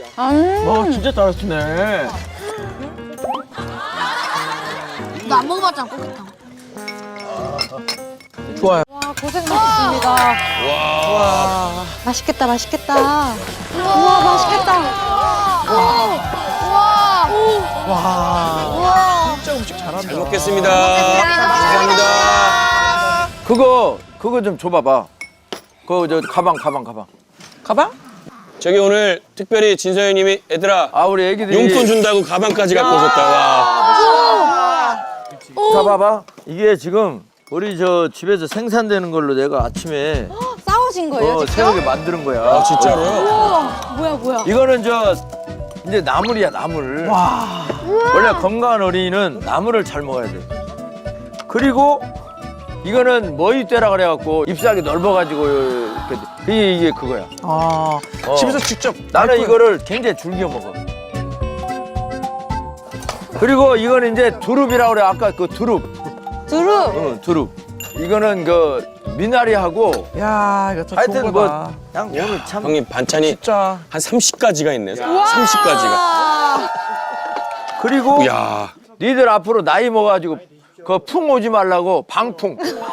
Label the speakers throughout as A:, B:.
A: 와 진짜 잘하시네.
B: 너 안 먹어봤잖아, 꽃게탕.
A: 좋아요.
C: 와, 고생하셨습니다.
D: 와.
C: 맛있겠다, 맛있겠다. 우와, 맛있겠다.
A: 와 진짜 음식 잘한다.
D: 잘 먹겠습니다. 감사합니다.
E: 그거 좀 줘봐봐. 그거 저 가방.
A: 가방?
D: 저기 오늘 특별히 진서연님이 얘들아
E: 아 우리 애기들이
D: 용돈 준다고 가방까지 갖고 오셨다. 와.
E: 봐봐. 이게 지금 우리 저 집에서 생산되는 걸로 내가 아침에
C: 싸우신 거예요, 직접?
E: 새벽에 만드는 거야.
D: 아 진짜로요?
C: 우와, 뭐야.
E: 이거는 저 이제 나물이야 나물.
A: 와.
E: 원래 건강한 어린이는 나물을 잘 먹어야 돼. 그리고 이거는 머위대라 그래갖고 잎사귀 넓어가지고 이렇게 이게 그거야.
A: 아 집에서 직접.
E: 나는 이거를 굉장히 즐겨 먹어. 그리고 이거는 이제 두릅이라고 그래. 아까 그 두릅.
C: 두릅.
E: 응, 두릅. 이거는 그 미나리하고
A: 야 이거 더 좋은
E: 하여튼 뭐
A: 거다.
E: 그냥 오늘 참
D: 형님 반찬이
A: 진짜.
D: 한 30가지가 있네. 30가지가.
E: 그리고
D: 야.
E: 니들 앞으로 나이 먹어가지고 그 풍 오지 말라고 방풍.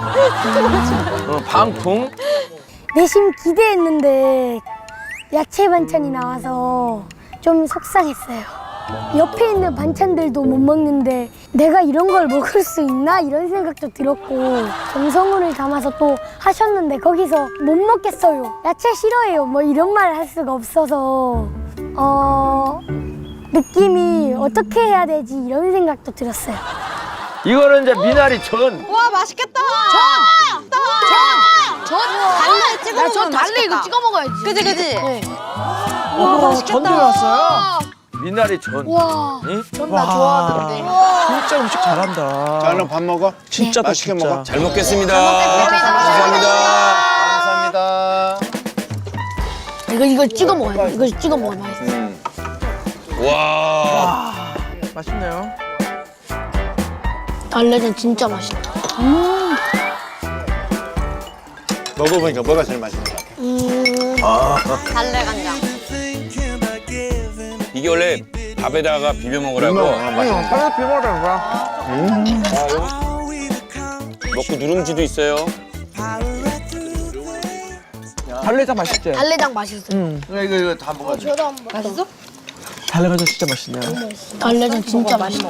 E: 방풍.
B: 내심 기대했는데 야채 반찬이 나와서 좀 속상했어요. 옆에 있는 반찬들도 못 먹는데 내가 이런 걸 먹을 수 있나? 이런 생각도 들었고 정성을 담아서 또 하셨는데 거기서 못 먹겠어요. 야채 싫어해요. 뭐 이런 말 할 수가 없어서 느낌이 어떻게 해야 되지? 이런 생각도 들었어요.
E: 이거는 이제 미나리 전.
C: 와, 맛있겠다. 전 달래 찍어 먹으면
B: 전 달래 이거 찍어 먹어야지.
C: 그지, 그지?
B: 네.
A: 와 맛있겠다. 전도 왔어요.
E: 미나리 전.
B: 와.
E: 응?
B: 전 나 좋아하던데.
A: 진짜 음식 잘한다.
F: 자, 얼른 밥 먹어.
A: 진짜
F: 맛있게
A: 진짜.
F: 먹어.
D: 잘 먹겠습니다. 감사합니다.
F: 감사합니다.
B: 이거 찍어 먹어요. 이거 찍어 먹어야 맛있어.
D: 와.
A: 맛있네요.
B: 달래전 진짜 맛있다.
F: 먹어보니까 뭐가 제일 맛있는 것 같아?
C: 달래 간장.
D: 이게 원래 밥에다가 비벼 먹으라고
F: 맛있는 거.
A: 빨리 비벼라는 거야.
D: 먹고 누룽지도 있어요.
A: 달래장 맛있지?
B: 달래장 맛있어.
E: 이거 다 먹어야 돼.
C: 맛있어?
A: 달래가전 진짜 맛있네요.
B: 달래전 진짜 맛있어.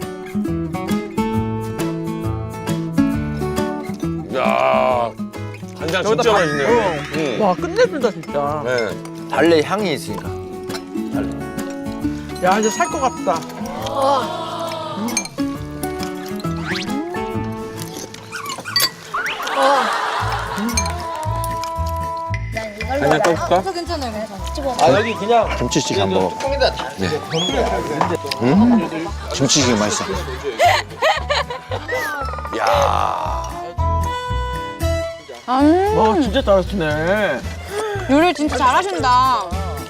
D: 야. 간장 진짜 맛있네요. 응.
A: 와 끝내준다 진짜.
D: 네.
E: 달래 향이 있으니까.
A: 야 이제 살 것 같다.
D: 간장 떠볼까?
C: 괜찮아요.
E: 아 여기 그냥
F: 김치찌개 한번 먹어.
E: 조금이다 다.
F: 김치찌개 맛있어.
D: 야.
A: 와 진짜 잘하시네.
C: 요리 진짜 잘하신다.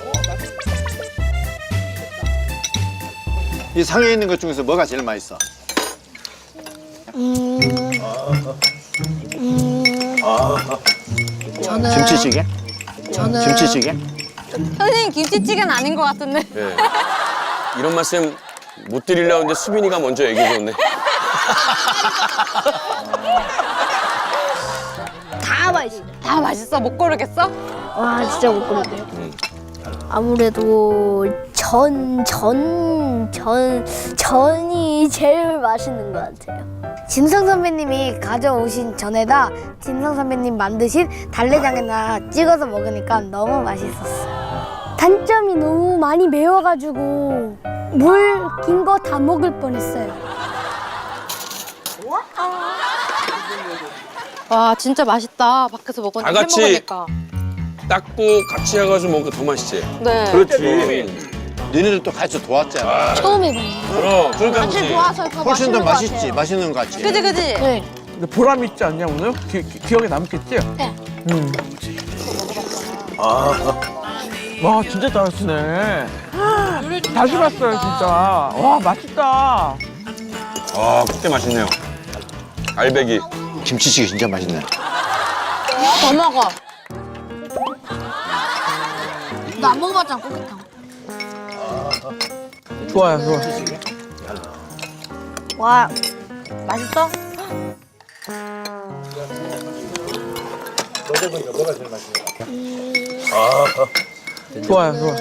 F: 이 상에 있는 것 중에서 뭐가 제일 맛있어? 김치찌개? 김치찌개?
C: 선생님 김치찌개는 아닌 것 같은데.
D: 네. 이런 말씀 못 드리려고 했는데 수빈이가 먼저 얘기해 줬네.
B: 다 맛있어.
C: 다 맛있어? 못 고르겠어?
B: 와 진짜 못 고르네요. 아무래도 전이 제일 맛있는 것 같아요. 진성 선배님이 가져오신 전에다 진성 선배님 만드신 달래장에다 찍어서 먹으니까 너무 맛있었어요. 단점이 너무 많이 매워가지고 물 긴 거 다 먹을 뻔했어요.
C: 와, 진짜 맛있다. 밖에서 먹었는데
D: 다 같이
C: 해먹으니까.
D: 닦고 같이 해가지고 먹으니까 더 맛있지.
C: 네.
E: 그렇지.
F: 너네들도 같이 도왔잖아.
B: 처음 해봐요.
D: 그러니까 그렇지.
F: 훨씬 더 맛있지. 맛있는 것 같지.
C: 그지, 그지?
B: 네.
A: 근데 보람 있지 않냐 오늘? 기억에 남겠지?
B: 네.
A: 와 진짜 잘하시네. 다시 봤어요 진짜. 와 맛있다.
D: 아, 그때 맛있네요. 알배기.
F: 김치찌개 진짜 맛있네.
C: 더 먹어.
B: 너 안 먹어봤잖아 꽃게탕.
A: 좋아요, 좋아.
C: 와, 맛있어?
A: 좋아요, 좋아.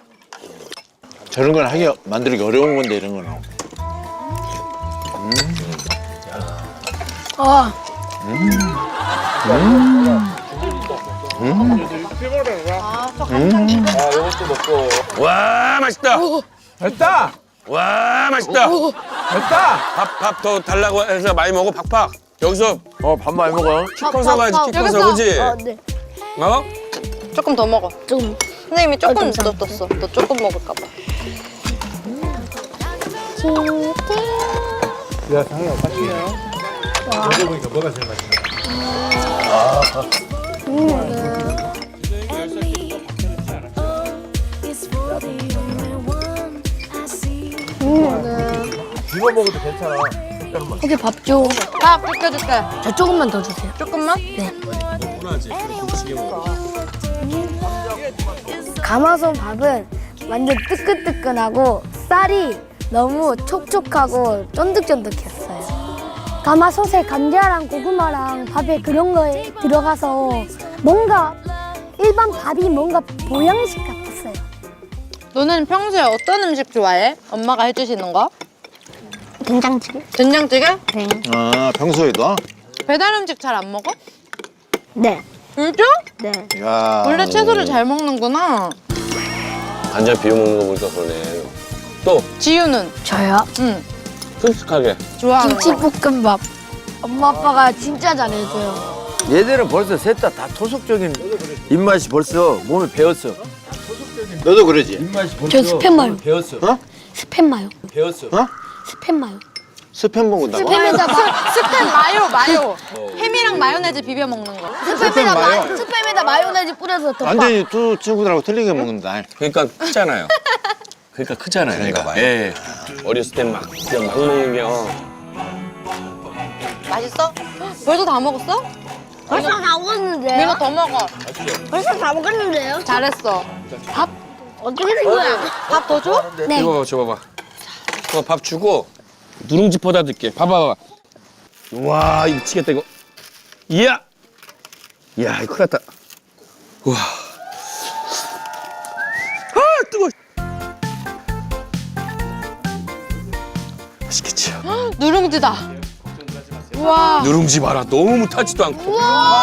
F: 저런 걸 만들기 어려운 건데 이런 거는.
B: 아,
D: 와 맛있다.
A: 됐다!
D: 와 맛있다.
A: 됐다!
D: 밥 더 달라고 해서 많이 먹어 팍팍. 여기서
E: 밥 많이 먹어.
D: 키 커서 가야지 키 커서
C: 여기서.
D: 그지?
B: 네.
D: 어?
C: 조금 더 먹어.
B: 좀.
C: 선생님이 조금
B: 감사합니다.
C: 줬어. 너 조금 먹을까 봐.
E: 이거 먹어도 괜찮아.
B: 거기 밥 줘.
C: 밥 비켜줄게.
B: 저 조금만 더 주세요.
C: 조금만?
B: 가마솥 밥은 완전 뜨끈뜨끈하고 쌀이 너무 촉촉하고 쫀득쫀득했어요. 가마솥에 감자랑 고구마랑 밥에 그런 거에 들어가서 뭔가 일반 밥이 뭔가 보양식 같았어요.
C: 너는 평소에 어떤 음식 좋아해? 엄마가 해주시는 거?
B: 된장찌개?
C: 된장찌개?
B: 네.
F: 아 평소에도?
C: 배달 음식 잘 안 먹어?
B: 네.
C: 진짜?
B: 네.
F: 야.
C: 원래 채소를 잘 먹는구나.
D: 간장 비벼 먹는 거 보니까 그러네. 또
C: 지유는?
B: 저요?
C: 응.
D: 큼직하게.
C: 좋아하는 거.
B: 김치볶음밥. 엄마 아빠가 진짜 잘해줘요.
E: 얘들은 벌써 셋 다 토속적인 입맛이 벌써 몸에 배었어.
F: 너도 그러지?
E: 입맛이 벌써
B: 저 스팸 마요.
E: 몸에 배었어.
F: 어?
B: 스팸 마요.
E: 배었어.
F: 어?
B: 스팸 마요.
F: 스팸 먹는다고?
B: 스팸에다
C: 스팸 마요. 햄이랑 마요네즈 비벼 먹는 거.
B: 스팸에다 마요네즈 뿌려서 덮밥.
F: 완전히 두 친구들하고 틀리게 먹는다.
D: 그러니까 크잖아요. 그러니까 크잖아요.
F: 그러니까
D: 얘가.
F: 봐요.
D: 예. 어렸을 땐 막 그냥 막 먹는 게.
C: 맛있어? 벌써 다 먹었어?
B: 벌써 다 먹었는데요?
C: 민호 더 먹어.
B: 벌써 다 먹었는데요?
C: 잘했어.
B: 밥 어떻게 된 거야?
C: 밥 더 줘?
B: 네.
D: 이거 줘봐봐. 밥 주고 누룽지 퍼다 줄게. 봐봐봐. 와 이거 미치겠다 이거. 이야. 이야 이거 큰일 났다. 우와. 아 뜨거워. 맛있겠지.
C: 누룽지다. 우와.
D: 누룽지 봐라. 너무 타지도 않고.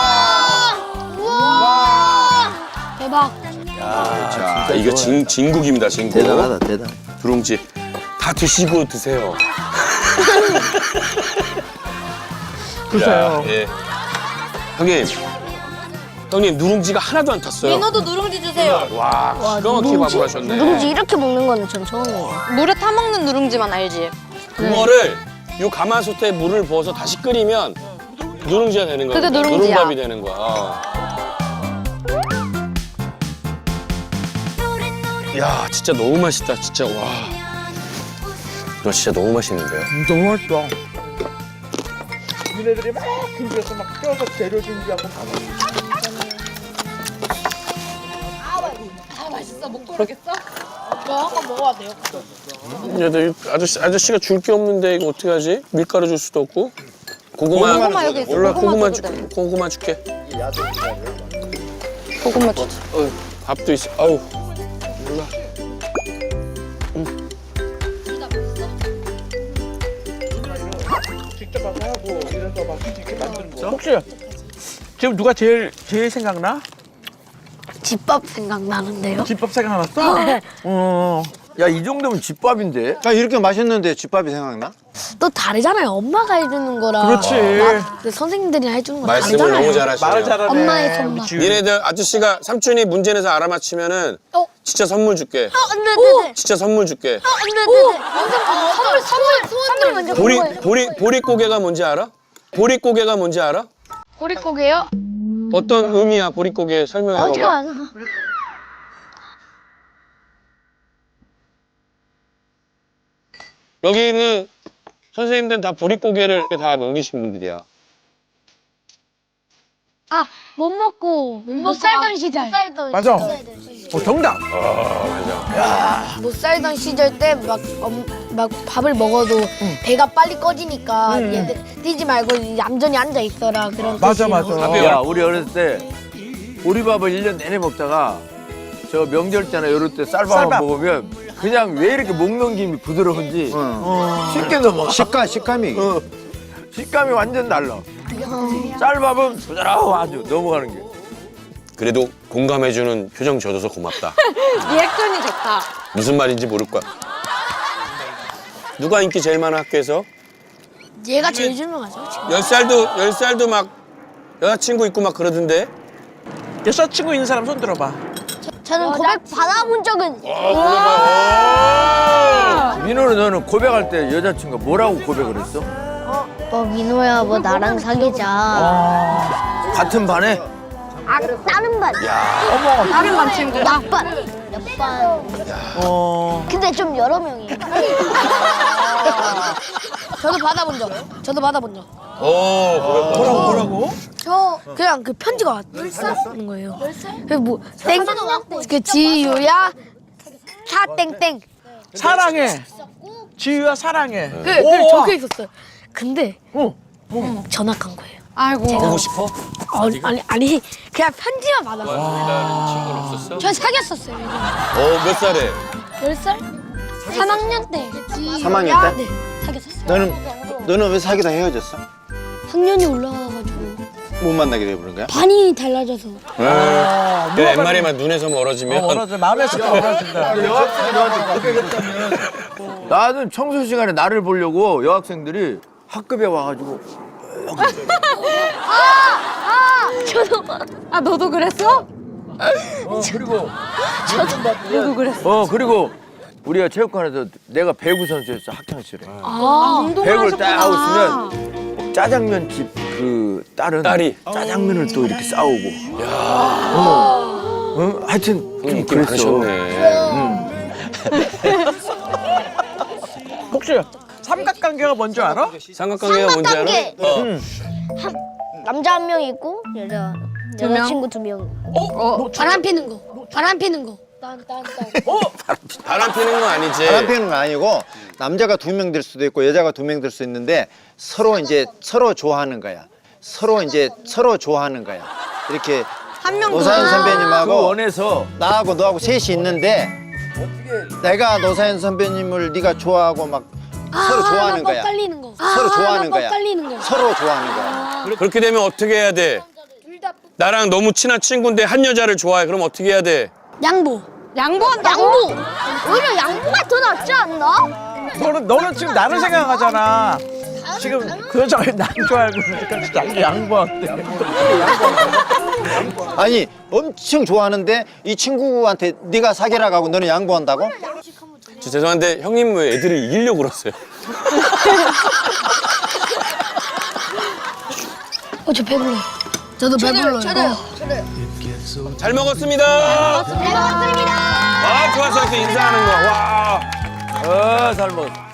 B: 대박.
D: 자 이거 진국입니다 진국.
E: 대단하다 대단.
D: 누룽지 다 드시고 드세요.
A: 글쎄요.
D: 예. 형님 누룽지가 하나도 안 탔어요.
C: 민호도 누룽지 주세요.
D: 와 기가 막히게 밥을 하셨네.
B: 누룽지 이렇게 먹는 거는 전 처음이에요.
C: 물에 타 먹는 누룽지만 알지?
D: 그거를 요 가마솥에 물을 부어서 다시 끓이면 누룽지가 되는 거야.
C: 그게 누룽지야.
D: 누룽밥이 되는 거야. 야 진짜 너무 맛있다 진짜 와. 이거 진짜 너무 맛있는데요.
A: 너무 맛있다. 니네들이 막 준비해서 막 껴서 재료 준비하고
D: 얘들 아저씨가 줄 게 없는데 이거 어떻게 하지? 밀가루 줄 수도 없고. 고구마
C: 여기 있어.
D: 몰라 고구마
C: 줘도
D: 줄게.
C: 돼.
D: 고구마 줄게.
C: 고구마 주자.
D: 밥도 있어. 아우 몰라.
A: 직접 와서 하고 이래서 막 이렇게 만드는 거. 혹시 지금 누가 제일 생각나?
B: 집밥 생각나는데요?
A: 집밥 생각났어? 어.
E: 야 이 정도면 집밥인데.
F: 야 이렇게 맛있는데 집밥이 생각나?
B: 또 다르잖아요. 엄마가 해주는 거랑
A: 그렇지.
B: 선생님들이 해주는 거
D: 말씀을
B: 다르잖아요.
D: 너무 잘하시네요.
A: 말을 잘하네.
B: 엄마의 손맛.
A: 우리 지우.
D: 니네들 아저씨가 삼촌이 문제 내서 알아맞히면은
B: 어?
D: 진짜 선물 줄게.
B: 네네네.
D: 진짜 선물 줄게.
B: 네네네. 선물 먼저
D: 보릿고개가 뭔지 알아? 보릿고개가 뭔지 알아?
B: 보릿고개요?
D: 어떤 의미야 보릿고개 설명해
B: 어떻게
D: 봐봐.
B: 알아?
D: 여기는 선생님들은 다 보릿고개를 이렇게 다 넘기신 분들이야.
B: 아, 못 먹고 못 살던 시절.
A: 맞아. 정답.
G: 못 살던 시절 때 막 밥을 먹어도 배가 빨리 꺼지니까 얘들 뛰지 말고 얌전히 앉아 있어라 그런
A: 맞아,
G: 뜻이에요.
A: 맞아.
E: 야, 우리 어렸을 때 보리밥을 1년 내내 먹다가 저 명절 때나 이럴 때 쌀밥만
A: 쌀밥.
E: 먹으면 그냥 왜 이렇게 목 넘김이 부드러운지 쉽게 넘어가.
F: 식감이.
E: 식감이 완전 달라. 쌀밥은 부드러워 아주 넘어가는 게.
D: 그래도 공감해주는 표정 지어줘서 고맙다.
C: 리액션이 좋다.
D: 무슨 말인지 모를 거야. 누가 인기 제일 많아 학교에서?
G: 얘가 제일 유명하죠. 지금.
D: 10살도 막 여자친구 있고 막 그러던데.
A: 여자친구 있는 사람 손 들어봐.
B: 저는 고백 받아본 적은
E: 민호는 너는 고백할 때 여자친구가 뭐라고 고백을 했어?
B: 민호야 뭐 나랑 사귀자.
E: 같은 반에?
B: 아, 다른 반.
C: 다른 반 친구.
B: 옆반. 근데 좀 여러 명이.
G: 저도 받아본 적.
A: 뭐라고?
G: 저 그냥 그 편지가 왔는 거예요. 그 지유야 사땡땡
A: 사랑해. 지유야 사랑해.
G: 그 적혀 있었어요. 근데 전학한 거예요.
C: 아이고.
D: 보고 싶어?
G: 아니 그냥 편지만 받았어요.
D: 다른 친구는 없었어?
B: 저 사귀었었어요.
D: 몇 살에?
B: 10살? 3학년 때.
F: 3학년 때?
B: 네, 사귀었었어요.
F: 너는 왜 사귀다 헤어졌어?
B: 학년이 올라가가지고
F: 못 만나게 돼버린 거야?
B: 반이 달라져서.
D: 그 옛말에만 눈에서 멀어지면
A: 멀어져. 마음에서 멀어진다.
E: 나는 청소 시간에 나를 보려고 여학생들이 학급에 와가지고
C: 아 너도 그랬어?
E: 그리고 너도 그랬어. 그리고 우리가 체육관에서 내가 배구 선수였어 학창 시절에. 배구를 딱 하고 있으면 짜장면 집 그 딸이 짜장면을 또 이렇게 싸오고. 하여튼 좀
D: 인기
E: 그랬어.
D: 많으셨네.
A: 혹시 삼각관계가 뭔지 알아?
D: 삼각관계가 뭔지 알아?
B: 남자 한 명 있고 여자친구 2명. 바람 피는 거. 바람 피는 거.
D: 바람 피는 건 아니지.
F: 바람 피는 건 아니고 남자가 2명 될 수도 있고 여자가 2명 될 수 있는데 서로 좋아하는 거야. 서로 좋아하는 거야. 이렇게 노사연
E: 그
F: 선배님하고
E: 원에서
F: 나하고 너하고 셋이 있는데 내가 노사연 선배님을 네가 좋아하고 막 서로 좋아하는 거야.
B: 엇갈리는 거.
F: 서로 좋아하는 거야.
B: 엇갈리는 거.
F: 서로 좋아하는 거야.
D: 그렇게 되면 어떻게 해야 돼? 나랑 너무 친한 친구인데 한 여자를 좋아해. 그럼 어떻게 해야 돼?
B: 양보.
C: 양보한다고?
B: 오히려 양보가 더 낫지 않나?
A: 너는 지금 나를 생각하잖아. 지금 그 여자가 난 좋아하고 있으니까 자기 양보한대.
F: 아니 엄청 좋아하는데 이 친구한테 네가 사귀라고 하고 너는 양보한다고?
D: 저 죄송한데 형님 왜 애들을 이기려고 그러세요?
B: 저 배불러.
G: 저도 배불러요.
D: 잘 먹었습니다. 아 좋았어 이렇게 인사하는 거. 와.
E: 잘 먹었어.